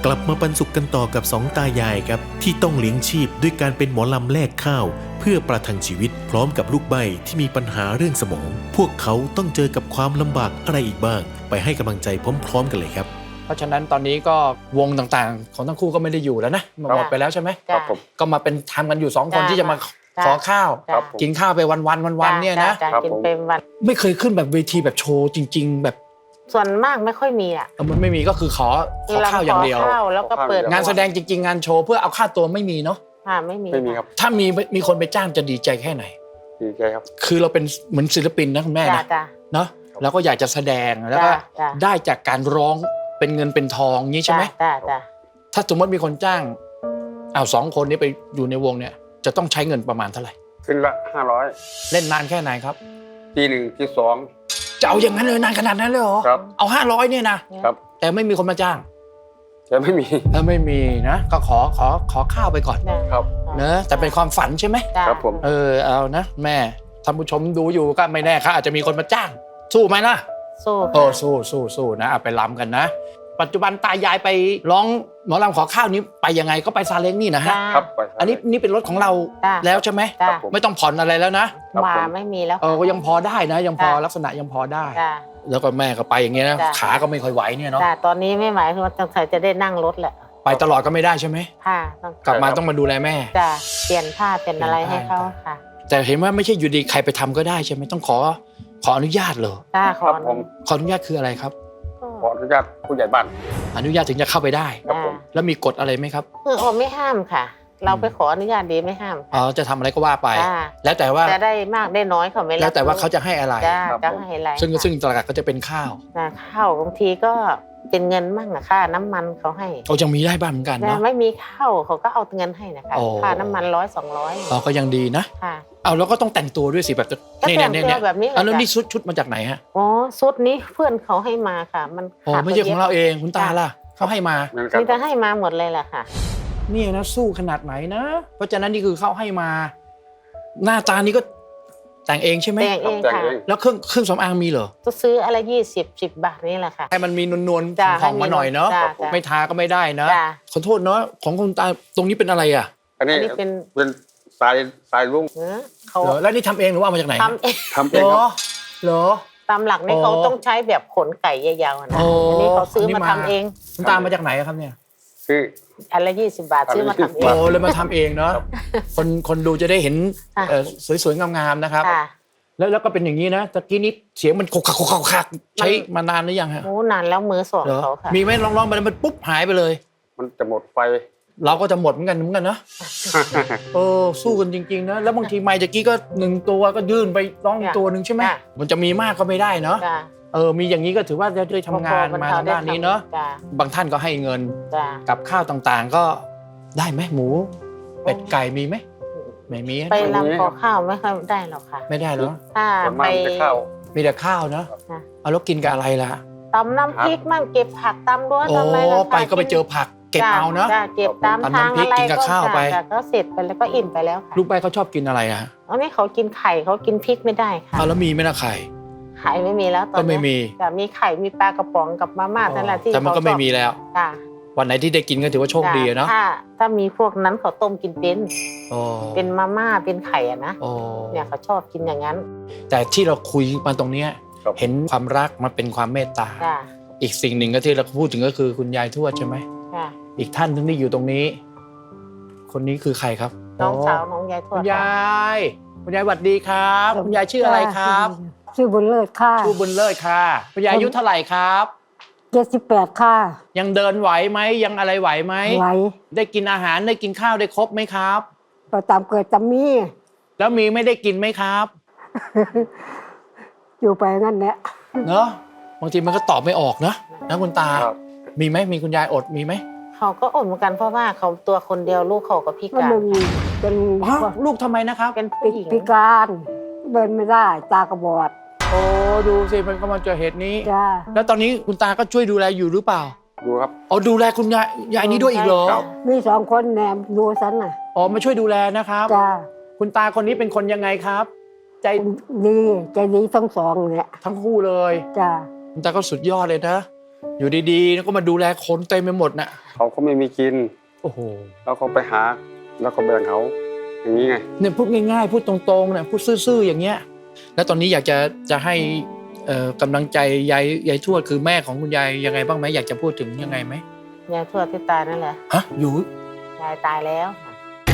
ลับมาปันสุขกันต่อกับสองตายายครับที่ต้องเลี้ยงชีพด้วยการเป็นหมอลำแลกข้าวเพื่อประทังชีวิตพร้อมกับลูกใบ้ที่มีปัญหาเรื่องสมองพวกเขาต้องเจอกับความลำบากอะไรอีกบ้างไปให้กำลังใจพร้อมๆกันเลยครับเพราะฉะนั้นตอนนี้ก็วงต่างๆของทั้งคู่ก็ไม่ได้อยู่แล้วนะหมดไปแล้วใช่ไหมครับผมก็มาเป็นทำกันอยู่2 คนที่จะมาขอข้าวครับกินข้าวไปวันๆเนี่ยนะกินเป็นวันไม่เคยขึ้นแบบเวทีแบบโชว์จริง ๆ แบบส่วนมากไม่ค่อยมีอ่ะมันไม่มีก็คือขอข้าวอย่างเดียวขข้าวแล้วก็เปิดงานแสดงจริงๆงานโชว์เพื่อเอาค่าตัวไม่มีเนาะไม่มีไม่มีครับถ้ามีคนไปจ้างจะดีใจแค่ไหนดีใจครับคือเราเป็นเหมือนศิลปินนะคุณแม่นะเนาะแล้วก็อยากจะแสดงแล้วก็ได้จากการร้องเป็นเงินเป็นทองนี้ใช่ไหมถ้าสมมติมีคนจ้าง2 คนนี้ไปอยู่ในวงเนี่ยจะต้องใช้เงินประมาณเท่าไหร่ขึ้นละ500 เล่นนานแค่ไหนครับทีหนึ่งที่สองจะเอาอย่างนั้นเลยนานขนาดนั้นเลยเหรอครับเอา500เนี่ยนะครับ แต่ไม่มีคนมาจ้างแต่ไม่มีไม่มีนะก็ขอข้าวไปก่อนครับเนอะแต่เป็นความฝันใช่ไหมครับผมเอานะแม่ท่านผู้ชมดูอยู่ก็ไม่แน่ครับอาจจะมีคนมาจ้าง สู้ไหมนะสู้สู้นะเอาไปล้ำกันนะ ปัจจุบันตายายไปร้องหมอลำขอข้าวนี้ไปยังไงก็ไปซาเล้งนี่นะฮะครับไปอันนี้นี่เป็นรถของเราแล้วใช่ไหมครับผมไม่ต้องผ่อนอะไรแล้วนะมาไม่มีแล้วก็ยังพอได้นะยังพอลักษณะยังพอได้ แล้วก็แม่ก็ไปอย่างเงี้ยนะขาก็ไม่ค่อยไหวเนี่ยเนาะตอนนี้ไม่ไหวคือว่าต้องใส่จะได้นั่งรถแหละไปตลอดก็ไม่ได้ใช่ไหมค่ะกลับมาต้องมาดูแลแม่เปลี่ยนผ้าเป็นอะไรให้เขาค่ะแต่เห็นว่าไม่ใช่อยู่ดีใครไปทำก็ได้ใช่ไหมต้องขออนุญาตเหรอครับผมขออนุญาตคืออะไรครับขออนุญาตผู้ใหญ่บ้านอนุญาตถึงจะเข้าไปได้ครับผมแล้วมีกฎอะไรไหมครับคือเขาไม่ห้ามค่ะ เราไปขออนุญาตดีไม่ห้ามจะทำอะไรก็ว่าไป แล้วแต่ว่าจะได้มากได้น้อยเขาไม่รับแล้วแต่ว่าเขาจะให้อะไรจะให้อะไรซึ่งตลาดก็จะเป็นข้าวข้าวบางทีก็เป็นเงินมั่งอะค่าน้ำมันเขาให้ยังมีได้บ้างเหมือนกันแต่เนาะไม่มีข้าวเขาก็เอาเงินให้นะคะโอ้ค่าน้ำมัน100-200 ก็ยังดีนะค่ะแล้วก็ต้องแต่งตัวด้วยสิแบบก็แต่งตัวแบบนี้เลยแล้วนี่จ้ะชุดมาจากไหนฮะอ๋อชุดนี้เพื่อนเขาให้มาค่ะ มันไม่ใช่ของเราเองคุณตาล่ะเขาให้มาเหมือนกันมีแต่ให้มาหมดเลยแหละค่ะนี่นะสู้ขนาดไหนนะ เพราะฉะนั้นนี่คือเขาให้มา หน้าตานี้ก็แต่งเองใช่ไหมแต่งเองแต่งค่ะเองแล้วเครื่องสำอางมีเหรอจะซื้ออะไร10 บาทนี่แหละค่ะให้มันมีนวลจ้ะๆของมาหน่อยเนาะจ้ะจ้ะไม่ทาก็ไม่ได้นะจ้ะขอโทษเนาะของคุณตาตรงนี้เป็นอะไรอ่ะอันนี้อันนี้เป็นเป็นสายลุงเขาเหรอแล้วนี่ทำเองหรือว่าเอามาจากไหนทำเองทำเหเอรงคอรับเหรอตามหลักนี่เขาต้องใช้แบบขนไก่ยาวๆนะโอ้อันนี้เขาซื้ออันนี้มามาทำเองคุณตามาจากไหนอะครับเนี่ยคืออันละ20 บาทซื้อมาทำเอโอ้งเลยมาทำเองเนาะคนดูจะได้เห็นค่ะสวยๆงามๆนะครับค่ะแล้วก็เป็นอย่างนี้นะตะกี้นี้เสียงมันขกๆใช้มานานหรือยังฮะโอ้นานแล้วมือสองเหรอเขาค่ะมีไหมลองๆไปมันปุ๊บหายไปเลยมันจะหมดไฟเราก็จะหมดเหมือนกันนะสู้กันจริงๆนะแล้วบางทีไมค์ตะกี้ก็1 ตัวก็ยื่นไปร้องอีกตัวหนึ่งใช่ไหมมันจะมีมากก็ไม่ได้เนาะจ้ะมีอย่างนี้ก็ถือว่าได้ทำงานมาทางด้านนี้เนาะจ้ะบางท่านก็ให้เงินจ้ะกับข้าวต่างๆก็ได้ไหมหมูเป็ดไก่มีไหมไม่มีไปรำขอข้าวไม่ค่อยได้หรอกค่ะไม่ได้เหรอถ้าส่วนไปมากมันจะเข้ามีแต่ข้าวเนาะค่ะเอาแล้วกินกับอะไรล่ะตำน้ำพริกมั่งเก็บผักตำรั้วโอ้ตำอะไรล่ะค่ะไปก็ไปเจอผักเก็บเอาเนาะจ้ะเก็บตามตำทางน้ำพริกอะไรกินกับข้าวไปจ้ะก็เสร็จไปแล้วก็อิ่มไปแล้วค่ะลูกไปเขาชอบกินอะไรอะอันนี้เขากินไข่เขากินพริกไม่ได้ค่ะเอาแล้วมีไหมล่ะไข่ไข่ไม่มีแล้วตอนก็ไม่นี้มีแต่มีไข่มีปลากระป๋องกับมาม่านั่นแหละที่แต่มันก็ไม่มีเขาชอบแล้วจ้ะวันไหนที่ได้กินก็ถือว่าโชคดีอะเนาะถ้ามีพวกนั้นเขาต้มกินเป็นโอ้เป็นมาม่าเป็นไข่อะนะโอ้เนี่ยเขาชอบกินอย่างนั้นแต่ที่เราคุยมาตรงเนี้ยครับเห็นความรักมันเป็นความเมตตาจ้ะอีกสิ่งหนึ่งก็ที่เราพูดถึงก็คือคุณยายทวดใช่ไหมจ้ะอีกท่านหนึงที่อยู่ตรงนี้ คนนี้คือใครครับน้องสาวน้องยายทวคุดณยายคุณยายสวัสดีครับคุณยายชื่ออะไรครับชื่อบุญเลิศค่ะชื่อบุญเลิศค่ะคุณยายอายุเท่าไหร่ครับ 78ค่ะยังเดินไหวไหมยังอะไรไหวไหมไหวได้กินอาหารได้กินข้าวได้ครบไหมครับประตามเกิดตามมีแล้วมีไม่ได้กินไหมครับอยู่ไปงั้นแหละเนอะบางทีมันก็ตอบไม่ออกนะคุณตาครับมีไหมมีคุณยายอดมีไหมเขาก็อดเหมือนกันเพราะว่าเขาตัวคนเดียวลูกเขาก็พิมันการเป็นเป็นฮะลูกทำไมนะครับเป็นผู้หญิงพิการเดินไม่ได้ตากระบอดโอ้ดูสิมันก็มาเจอเหตุนี้จ้าแล้วตอนนี้คุณตาก็ช่วยดูแลอยู่หรือเปล่าดูครับอ๋อดูแลคุณยายนี้ด้วยอีกเหรอครับมี2 คนแหนมดูสันน่ะอ๋อมาช่วยดูแลนะครับจ้าคุณตาคนนี้เป็นคนยังไงครับ ใจดีใจดีทั้ง 2เนี่ยทั้งคู่เลยจ้าคุณตาก็สุดยอดเลยนะอยู่ดีๆแล้วก็มาดูแลคนเต็มไปหมดน่ะเขาก็ไม่มีกินโอ้โหแล้วเขาไปหา แล้วก็แบ่งเขาอย่างนี้ไงเนี่ยพูดง่ายๆพูดตรงๆเนี่ยพูดซื่อๆอย่างเงี้ยแล้วตอนนี้อยากจะให้กำลังใจยายทวดคือแม่ของคุณยายยังไงบ้างไหมอยากจะพูดถึงยังไงไหมยายทวดที่ตายนั่นแหละฮะอยู่ยายตายแล้วค่ะ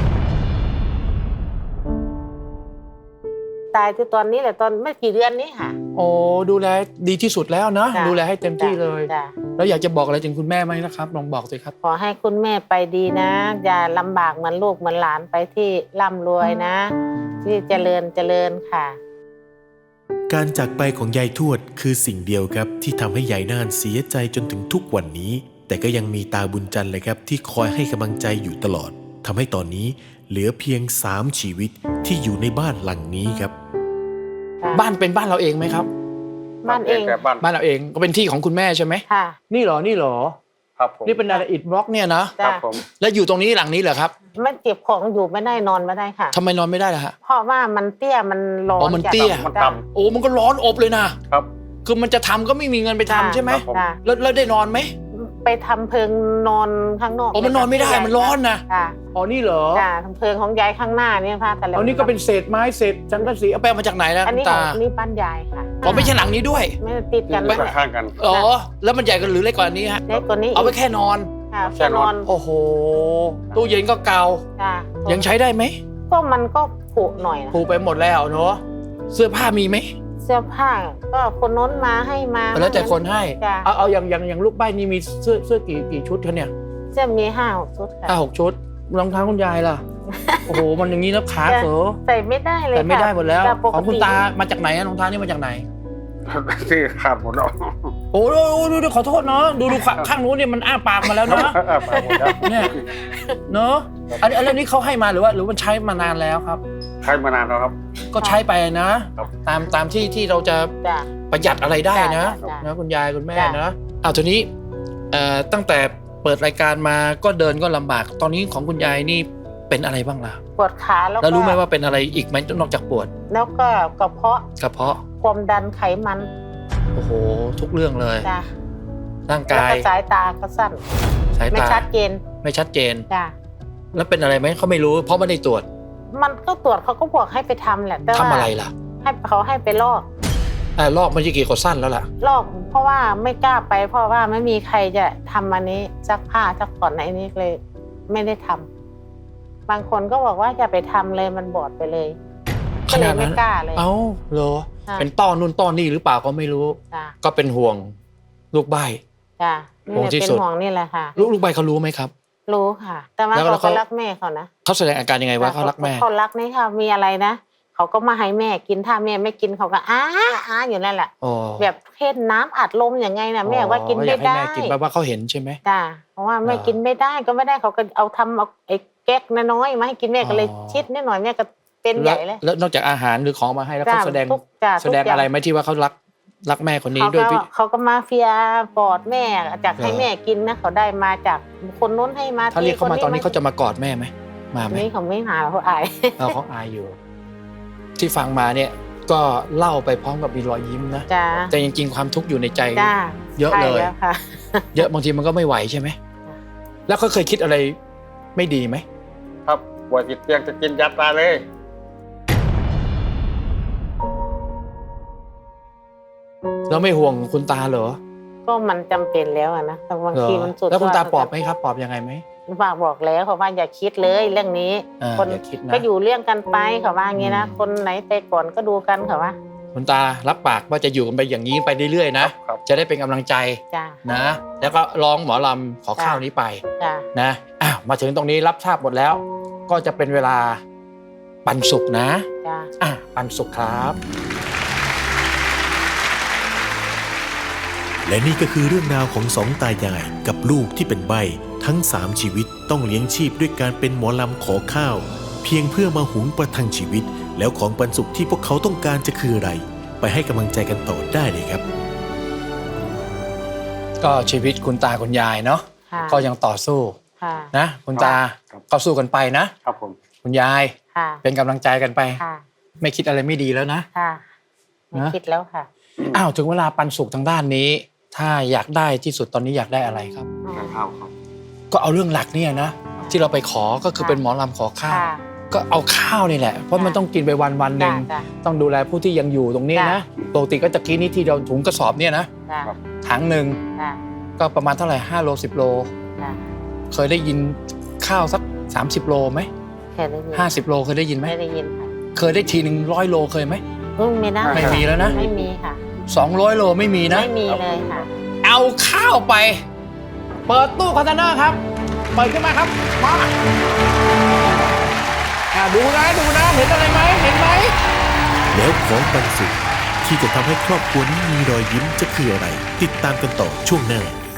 ตายที่ตอนนี้แหละตอนไม่กี่เดือนนี้ค่ะโอ้ดูแลดีที่สุดแล้วนะจ้ะดูแลให้เต็มที่เลยจ้ะแล้วอยากจะบอกอะไรถึงคุณแม่ไหมนะครับลองบอกสิครับขอให้คุณแม่ไปดีนะ อย่าลำบากเหมือนลูกเหมือนหลานไปที่ร่ำรวยนะ ที่เจริญค่ะการจากไปของยายทวดคือสิ่งเดียวครับที่ทำให้ยายน่านเสียใจจนถึงทุกวันนี้ แต่ก็ยังมีตาบุญจันทร์เลยครับที่คอยให้กำลังใจอยู่ตลอดทำให้ตอนนี้เหลือเพียง3ชีวิตที่อยู่ในบ้านหลังนี้ครับบ้านเป็นบ้านเราเองไหมครับบ้านเองแต่บ้านบ้านเราเองก็เป็นที่ของคุณแม่ใช่ไหมค่ะนี่เหรอนี่เหรอครับผมนี่เป็นอะไรอิฐบล็อกเนี่ยนะครัจ้ะบผมแล้วอยู่ตรงนี้หลังนี้เหรอครับไม่เก็บของอยู่ไม่ได้นอนไม่ได้ค่ะทำไมนอนไม่ได้ล่ะฮะเพราะว่ามันเตี้ยมันร้อนอ๋อมันเตี้ยมันจ้ะต่โอ้มันก็ร้อนอบเลยนะำครับคือมันจะทำก็ไม่มีเงินไปทำใช่ไหมครับผมจ้ะแล้วได้นอนไหมไปทำเพิงนอนข้างนอกอ๋อมันนอนไม่ได้มันร้อนนะค่ะอ๋อนี่เหรอจ้ะทำเพิงของยายข้างหน้าเนี่ยค่ะแต่ละอ๋อนี่ก็เป็นเศษไม้เศษสังกะสีเอาไปเอามาจากไหนล่ะอันคุนี้ณขอตางนี่บ้านยายค่ะอ๋อไม่ใช่หลังนี้ด้วยไม่ได้ติดกันไม่นะข้างกันอ๋อแล้วมันใหญ่กันหรือเล็กกว่านี้ฮะเล็กกว่านี้เอาไว้แค่นอนค่ะแค่แค่นนออน นโอ้โหตู้เย็นก็เก่าจ้ะยังใช้ได้ไหมก็มันก็ผุหน่อยนะผูไปหมดแล้วเนาะเสื้อผ้ามีไหมเสื้อผ้าก็คนโน้นมาให้มาแล้วแต่คนให้จ้ะเอาอย่างลูกใบ้นี่มีเสื้อกี่ชุดคะเนี่ยเสื้อมี5-6 ชุดค่ะ 5-6 ชุดรองเท้าคุณยายล่ะ โอ้โหมันอย่างนี้นะขาเขอใส่ไม่ได้เลยแต่ไม่ได้หมดแล้วจ้ะปกของคุณติตามาจากไหนอะรองเท้านี่มาจากไหนที่ขาดหมดแล้วโอ้ดูขอโทษเนาะดูข้างนู้นเนี่ยมันอ้าปากมาแล้วเนาะไปหมดแล้วเนี่ยเนาะอันนี้เขาให้มาหรือว่ามันใช้มานานแล้วครับใช้มานานแล้วครับก็ใช้ไปนะครับ ตามที่เราจะจ้ะประหยัดอะไรได้นะจ้ะนะคุณยายคุณแม่จ้ะนะเอาทีนี้ตั้งแต่เปิดรายการมาก็เดินก็ลำบาก ตอนนี้ของคุณยายนี่เป็นอะไรบ้างล่ะปวดขาแล้วแล้วรู้ไหมก็ว่าเป็นอะไรอีกไหมนอกจากปวดแล้วก็กระเพาะกระเพาะความดันไขมันโอ้โหทุกเรื่องเลยจ้ะร่างแล้วกายก็สายตาก็สั้นสายไม่ตาชัดเจนไม่ชัดเจนจ้ะแล้วเป็นอะไรไหมเขาไม่รู้ เพราะไม่ได้ตรวจมันก็ตรวจเขาก็บอกให้ไปทำแหละแต่ทำว่าอะไรล่ะให้เขาให้ไปลอกลอกมันจะกี่กดสั้นแล้วล่ะลอกเพราะว่าไม่กล้าไป เพราะว่าไม่มีใครจะทำอันนี้ซักผ้าซักผ่อนในนี้เลย ไม่ได้ทำบางคนก็บอกว่าอย่าไปทำเลยมันบอดไปเลยขก็เลนาดยนั้ไม่นกล้าเลยเอ้าเหรอค่ะเป็นต้อนู่นต้อนี่หรือเปล่าก็ไม่รู้จ้ะก็เป็นห่วงลูกใบจ้ะนี่ห่วงแหละที่เป็นสุดห่วงนี่แหละค่ะลูกใบเขารู้ไหมครับรู้ค่ะ แต่ว่าแล้วเขาเขาก็รักแม่เขานะเขาแสดงอาการยังไงว่าเขารักแม่เขารักนี่ค่ะมีอะไรนะเขาก็มาให้แม่กินถ้าแม่ไม่กินเขาก็อ้าอยู่นั่นแหละอ๋อแบบเทศน้ำอัดลมอย่างไงนะแม่ว่ากินอไม่ยากให้ได้แม่กินแปลว่าเขาเห็นใช่ไหมจ้าเพราะว่าแม่กินไม่ได้ก็ไม่ได้เขาก็เอาทำเอาไอ้แก๊กน้อยๆมาให้กินแม่ก็เลยอ๋อชิดนิดหน่อยแม่ก็เป็นใหญ่เลยแล้วนอกจากอาหารหรือของมาให้แล้วจ้าเขาแสดงทุกจ้าแสดงอะไรไหมที่ว่าเขารักแม่คนนี้เขาด้วยก็พี่เขาก็มาเฟียกอดแม่จากให้เหรอแม่กินนะเขาได้มาจากคนนู้นให้มาถ้าเรียกเขามาตอนนี้เขาจะจะมากอดแม่ไหมมาไหมนี่เขาไม่หาเขาอายเขาอายอยู่ ที่ฟังมาเนี่ยก็เล่าไปพร้อมกับมีรอยยิ้มนะจ้าแต่จริงๆความทุกข์อยู่ในใจจ้าเยอะเลยใช่แล้วค่ะเยอะบางทีมันก็ไม่ไหวใช่ไหมแล้วเขาเคยคิดอะไรไม่ดีไหมครับปวดติดเตียงจะกินยาตายเลยแล้วไม่ห่วงคุณตาเหรอก็มันจำเป็นแล้วอะนะแต่บางเหรอทีมันสุดแล้วคุณตาก็ปลอบไหมครับปลอบยังไงไหมฝากบอกแล้วเขาว่าอย่าคิดเลยเรื่องนี้ คนอย่าคิดนะก็อยู่เรื่องกันไปเขาว่าอย่างนี้นะคนไหนไปก่อนก็ดูกันเขาว่าคุณตารับปากว่าจะอยู่กันไปอย่างนี้ไปเรื่อยๆนะครับ จะได้เป็นกำลังใจจ้านะ แล้วก็ร้องหมอลำขอข้าวนี้ไปจ้านะมาถึงตรงนี้รับทราบหมดแล้ว ก็จะเป็นเวลาปันสุกนะจ้าปันสุกครับและนี่ก็คือเรื่องราวของสองตายายกับลูกที่เป็นใบ้ทั้ง3ชีวิตต้องเลี้ยงชีพด้วยการเป็นหมอลำขอข้าว เพียงเพื่อมาหุงประทังชีวิต แล้วของปันสุขที่พวกเขาต้องการจะคืออะไร ไปให้กำลังใจกันต่อได้เลยครับก็ชีวิตคุณตาคุณยายเนาะค่ะก็ยังต่อสู้ค่ะนะคุณตาครับก็สู้กันไปนะครับผมคุณยายค่ะเป็นกำลังใจกันไปค่ะไม่คิดอะไรไม่ดีแล้วนะค่ะไม่นะคิดแล้วค่ะถึงเวลาปันสุกทางด้านนี้ ทถ้าอยากได้ที่สุดตอนนี้อยากได้อะไรครับทานข้าวครับก็เอาเรื่องหลักเนี่ยนะที่เราไปขอก็คือเป็นหมอลำขอข้าวค่ะก็เอาข้าวนี่แหละเพราะมันต้องกินไปวันหนึ่งจ้ะต้องดูแลผู้ที่ยังอยู่ตรงนี้นะปกติก็จะกี้นี้ที่เราถุงกระสอบเนี่ยนะจ้ะถังหนึ่งจ้ะก็ประมาณเท่าไหร่5 โล 10 โลจ้ะเคยได้ยินข้าวสัก30 โลไหมเคยได้ยิน 50 โลเคยได้ยินไหมไม่ได้ยินค่ะเคยได้ทีหนึ่ง100 โลเคยไหมไม่ได้ไม่มีแล้วนะไม่มีค่ะ 200 โลไม่มีนะไม่มีเลยค่ะเอาข้าวไป เปิดตู้คอนเทนเนอร์ครับ เปิดขึ้นมาครับมาดูนะเห็นอะไรไหมเห็นไหมแล้วของบรรสุขที่จะทำให้ครอบครัวนี้มีรอยยิ้มจะคืออะไร ติดตามกันต่อช่วงหน้า